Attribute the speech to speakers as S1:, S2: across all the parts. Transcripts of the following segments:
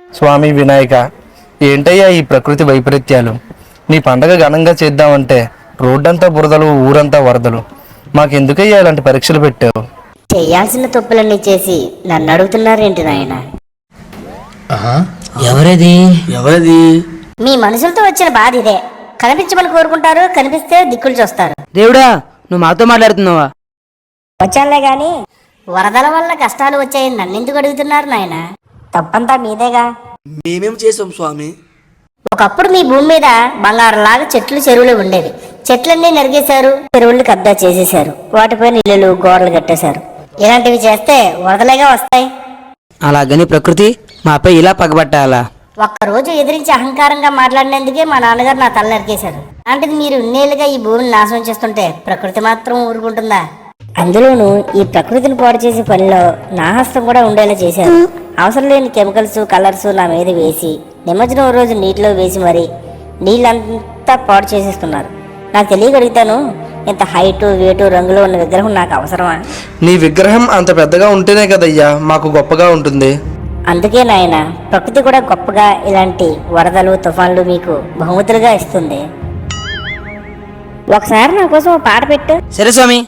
S1: స్వామి వినాయక, ఏంటయ్యా ఈ ప్రకృతి వైపరీత్యాలు? నీ పండగ ఘనంగా చేద్దామంటే రోడ్డంతా బురదలు, ఊరంతా వరదలు. మాకెందుకయ్యా ఇలాంటి పరీక్షలు పెట్టావు?
S2: చేయాల్సిన తప్పులన్నీ చేసి నన్ను అడుగుతున్నారేంటి నాయన?
S3: ఎవరది ఎవరది?
S2: మీ మనుషులతో వచ్చిన బాధ ఇదే. కనిపించమని కోరుకుంటారు, కనిపిస్తే దిక్కులు చూస్తారు.
S3: దేవుడా, నువ్వు మాతో మాట్లాడుతున్నావా?
S2: వచ్చానులే గాని వరదల వల్ల కష్టాలు వచ్చాయని నన్నెందుకు అడుగుతున్నారు నాయన? తప్పంతా మీదేగా.
S4: మేమేం చేసాం స్వామి?
S2: ఒకప్పుడు మీ భూమి మీద బంగారంలాగా చెట్లు, చెరువులు ఉండేవి. చెట్లన్నీ నరిగేశారు, చెరువులు కబ్జా చేసేశారు, వాటిపైన ఇల్లులు, గోడలు కట్టేశారు. ఇలాంటివి చేస్తే వరదలేగా వస్తాయి.
S3: అలాగని ప్రకృతి మాపై ఇలా పగబట్టాలా?
S2: ఒక్కరోజు ఎదిరించి అహంకారంగా మాట్లాడినందుకే మా నాన్నగారు నా తల నరికేశారు. అలాంటిది మీరు ఇన్నేళ్లుగా ఈ భూమిని నాశనం చేస్తుంటే ప్రకృతి మాత్రం ఊరుకుంటుందా? అందులోనూ ఈ ప్రకృతిని పాడు చేసే పనిలో నా హస్తం కూడా ఉండేలా చేశారు. అవసరం లేని కెమికల్స్, కలర్స్ నా మీద వేసి నిమజ్జనం రోజు నీటిలో వేసి మరి నీళ్ళంతా పాడు చేసేస్తున్నారు. నాకు తెలియగలుగుతాను, ఇంత హైటు, వెయిటు, రంగులో ఉన్న విగ్రహం నాకు అవసరమా?
S1: నీ విగ్రహం అంత పెద్దగా ఉంటేనే కదయ్యా మాకు గొప్పగా ఉంటుంది.
S2: అందుకే నాయన, ప్రకృతి కూడా గొప్పగా ఇలాంటి వరదలు, తుఫాన్లు మీకు బహుమతులుగా ఇస్తుంది. ఒకసారి నా కోసం ఒక పాట పెట్టు.
S3: సరే స్వామి.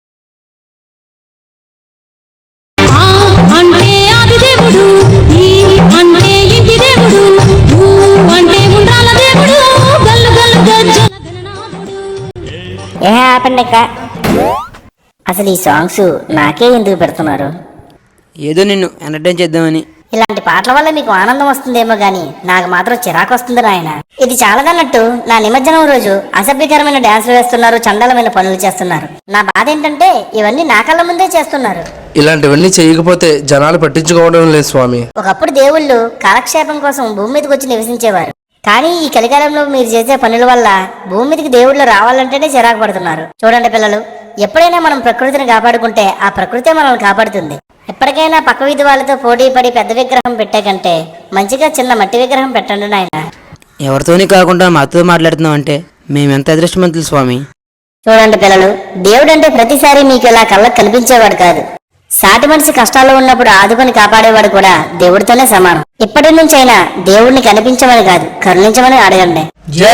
S2: ఏ ఆపండి అక్క, అసలు ఈ సాంగ్స్ నాకే ఎందుకు పెడుతున్నారు?
S3: ఏదో నిన్ను ఎంటర్టైన్ చేద్దామని.
S2: ఇలాంటి పాటల వల్ల మీకు ఆనందం వస్తుందేమో గానీ నాకు మాత్రం చిరాకు వస్తుంది నాయన. ఇది చాలదన్నట్టు నా నిమజ్జనం రోజు అసభ్యకరమైన డాన్సులు వేస్తున్నారు, చండాలమైన పనులు చేస్తున్నారు. నా బాధ ఏంటంటే ఇవన్నీ నా కళ్ళ ముందే చేస్తున్నారు.
S1: ఇలాంటివన్నీ చేయకపోతే జనాలు పట్టించుకోవడం లేదు స్వామి.
S2: ఒకప్పుడు దేవుళ్ళు కాలక్షేపం కోసం భూమి మీదకి వచ్చి నివసించేవారు. కానీ ఈ కలికాలంలో మీరు చేసే పనుల వల్ల భూమి మీదకి దేవుళ్ళు రావాలంటేనే చిరాకు పడుతున్నారు. చూడండి పిల్లలు, ఎప్పుడైనా మనం ప్రకృతిని కాపాడుకుంటే ఆ ప్రకృతే మనల్ని కాపాడుతుంది. ఎప్పటికైనా పక్క వీధి వాళ్ళతో పోటీ పడి పెద్ద విగ్రహం పెట్టే కంటే మంచిగా చిన్న మట్టి విగ్రహం పెట్టండి నాయన.
S3: ఎవరితోని కాకుండా మాతో మాట్లాడుతున్నావు అంటే మేమెంత అదృష్టవంతులు స్వామి.
S2: చూడండి పిల్లలు, దేవుడు అంటే ప్రతిసారి మీకు ఇలా కళ్ళకు కనిపించేవాడు కాదు. సాటి మనిషి కష్టాల్లో ఉన్నప్పుడు ఆదుకొని కాపాడేవాడు కూడా దేవుడితోనే సమానం. ఇప్పటి నుంచైనా దేవుడిని కనిపించమని కాదు, కరుణించమని అడగండి.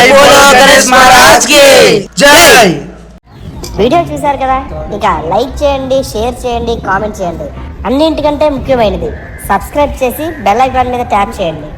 S2: వీడియో చూశారు కదా, ఇక లైక్ చేయండి, షేర్ చేయండి, కామెంట్ చేయండి. అన్నింటికంటే ముఖ్యమైనది సబ్స్క్రైబ్ చేసి బెల్ ఐకాన్ మీద ట్యాప్ చేయండి.